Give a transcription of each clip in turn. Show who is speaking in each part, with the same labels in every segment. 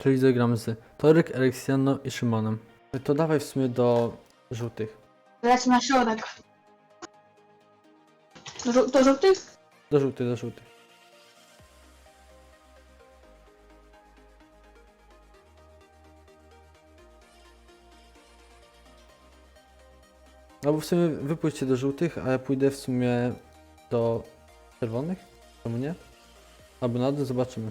Speaker 1: Czyli zagram z Torek, Aleksjaną i Szymonem. To dawaj w sumie do żółtych.
Speaker 2: Lecę na środek. Do żółtych?
Speaker 1: Do żółtych, do żółtych. No bo w sumie wy pójdźcie do żółtych, a ja pójdę w sumie do czerwonych? Czemu nie? Albo na dół, zobaczymy.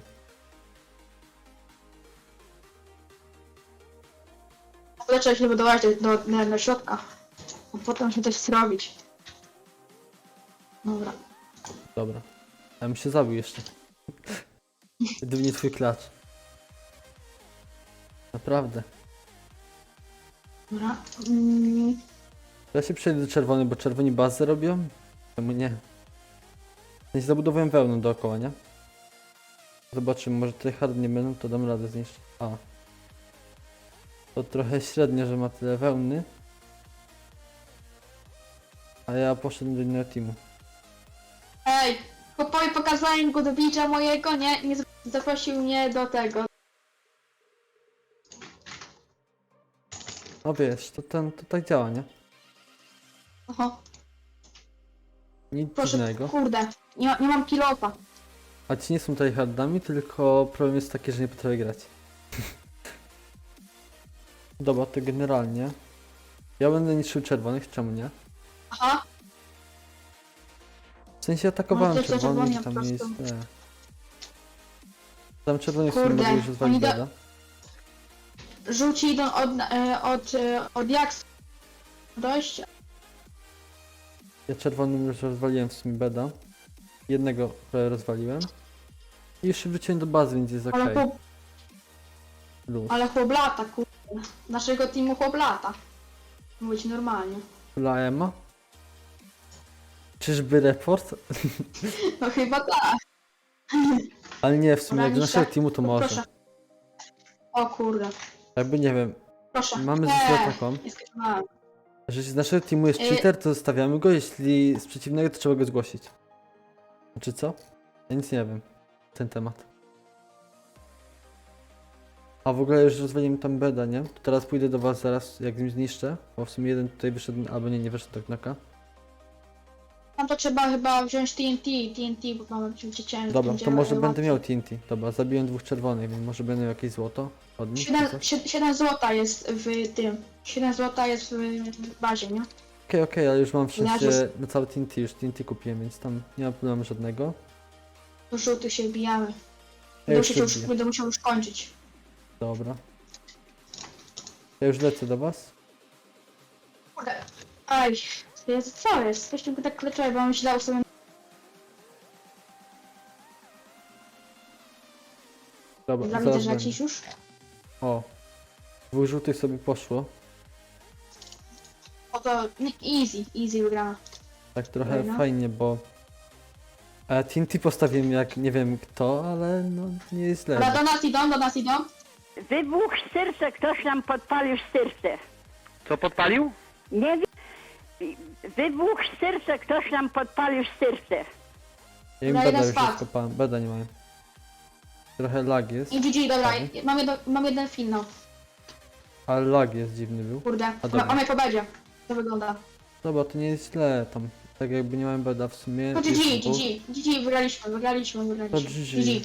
Speaker 2: Lecę się budować do środka. A potem się coś zrobić. Dobra.
Speaker 1: Dobra. Ja bym się zabił jeszcze. Gdyby nie twój klacz. Naprawdę.
Speaker 2: Dobra.
Speaker 1: Ja się przejdę do czerwonych, bo czerwoni bazę robią? Czemu nie? Ja się zabudowałem wełną dookoła, nie? Zobaczymy, może tutaj hard nie będą, to dam radę zniszczyć. A. To trochę średnio, że ma tyle wełny. A ja poszedłem do innego teamu.
Speaker 2: Ej! Chłopowi pokazałem go do bicza mojego, nie zaprosił mnie do tego.
Speaker 1: No wiesz, to tak działa, nie?
Speaker 2: Oho.
Speaker 1: Nic
Speaker 2: Proszę,
Speaker 1: dziwnego.
Speaker 2: kurde. Nie mam kilofa.
Speaker 1: A ci nie są tutaj hardami, tylko problem jest taki, że nie potrafię grać. Dobra, to generalnie. Ja będę niszczył czerwonych, czemu nie?
Speaker 2: Aha.
Speaker 1: W sensie atakowałem
Speaker 2: Może to
Speaker 1: czerwonych,
Speaker 2: czerwoni
Speaker 1: tam
Speaker 2: po
Speaker 1: nie
Speaker 2: prostu.
Speaker 1: jest. Tam czerwonych sobie
Speaker 2: Kurde,
Speaker 1: mogę już rozwalić
Speaker 2: oni da-
Speaker 1: beda.
Speaker 2: Żółci idą od jak dojść.
Speaker 1: Ja czerwonym już rozwaliłem w sumie beda. Jednego prawie rozwaliłem. I już się wróciłem do bazy, więc jest
Speaker 2: Ale,
Speaker 1: okej. Luz.
Speaker 2: ale chłoblata, kurde. Naszego teamu chłoblata. Mówić normalnie.
Speaker 1: Laema? Czyżby report?
Speaker 2: No chyba tak.
Speaker 1: Ale nie, w sumie
Speaker 2: Dobra,
Speaker 1: jak do
Speaker 2: niszczę.
Speaker 1: naszego teamu to może.
Speaker 2: Proszę. O kurde.
Speaker 1: Jakby nie wiem,
Speaker 2: Proszę.
Speaker 1: mamy zasadę taką,
Speaker 2: Nie skipnąłem.
Speaker 1: że jeśli z naszego teamu jest cheater, to zostawiamy go, jeśli z przeciwnego, to trzeba go zgłosić. Znaczy co? Ja nic nie wiem na ten temat. A w ogóle już rozwaliłem tam beda, nie? To teraz pójdę do was zaraz, jak nim zniszczę, bo w sumie jeden tutaj wyszedł, albo nie wyszedł do knoka.
Speaker 2: Tam to trzeba chyba wziąć TNT, bo mamy ciężko.
Speaker 1: Dobra, to może będę miał TNT. Dobra, zabiłem dwóch czerwonych, więc może będę miał jakieś złoto od nich. czy coś?
Speaker 2: 7 złota jest w tym. 7 złota jest w bazie, nie?
Speaker 1: Okej, ale już mam w
Speaker 2: Ja
Speaker 1: sensie na całe TNT, już TNT kupiłem, więc tam nie ma problemu żadnego.
Speaker 2: Do żółtych się wbijamy.
Speaker 1: Ja już się wbiję.
Speaker 2: Będę musiał już kończyć.
Speaker 1: Dobra. Ja już lecę do was.
Speaker 2: Kurde. Aj, co jest? Coś tylko tak kleczowe, bo myślał sobie.
Speaker 1: Dobra,
Speaker 2: Dla mnie
Speaker 1: zaraz
Speaker 2: też
Speaker 1: będę.
Speaker 2: lecisz już?
Speaker 1: O. Dwóch żółtych sobie poszło.
Speaker 2: O to easy wygrana.
Speaker 1: Tak trochę
Speaker 2: No.
Speaker 1: fajnie, bo... TNT postawiłem jak nie wiem kto, ale no nie jest źle.
Speaker 2: Dobra, do nas idą.
Speaker 3: Wybuch serce, ktoś nam podpalił serce.
Speaker 4: Co podpalił?
Speaker 3: Nie wiem. Wybuch serce, ktoś nam podpalił serce.
Speaker 1: Ja im
Speaker 2: Na
Speaker 1: beda
Speaker 2: jeden
Speaker 1: już
Speaker 2: spadł.
Speaker 1: rozkopałem, beda nie mają. Trochę lag jest,
Speaker 2: I GG, dobra,
Speaker 1: Prawie.
Speaker 2: mam jeden finał.
Speaker 1: ale lag jest dziwny był.
Speaker 2: Kurde,
Speaker 1: dobra.
Speaker 2: mamy po bedzie. To wygląda.
Speaker 1: Dobra, to nie jest źle tam. Tak jakby nie miałem beda w sumie.
Speaker 2: To
Speaker 1: jest dwóch.
Speaker 2: GG, wygraliśmy.
Speaker 1: To GG.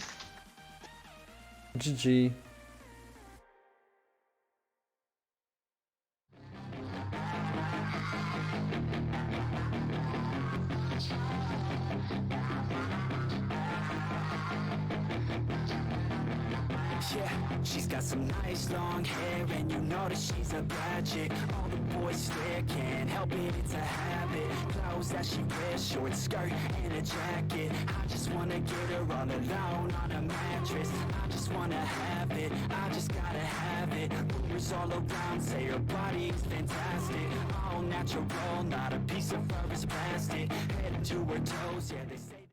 Speaker 1: GG.
Speaker 5: Yeah, she's got some nice long hair, and you know that she's a bad chick. All the boys stare, can't help it, it's a habit. Clothes that she wears, short skirt and a jacket. I just wanna get her all alone on a mattress. I just wanna have it, I just gotta have it. Rumors all around say her body is fantastic. All natural, not a piece of fur is plastic. Head to her toes, yeah they say.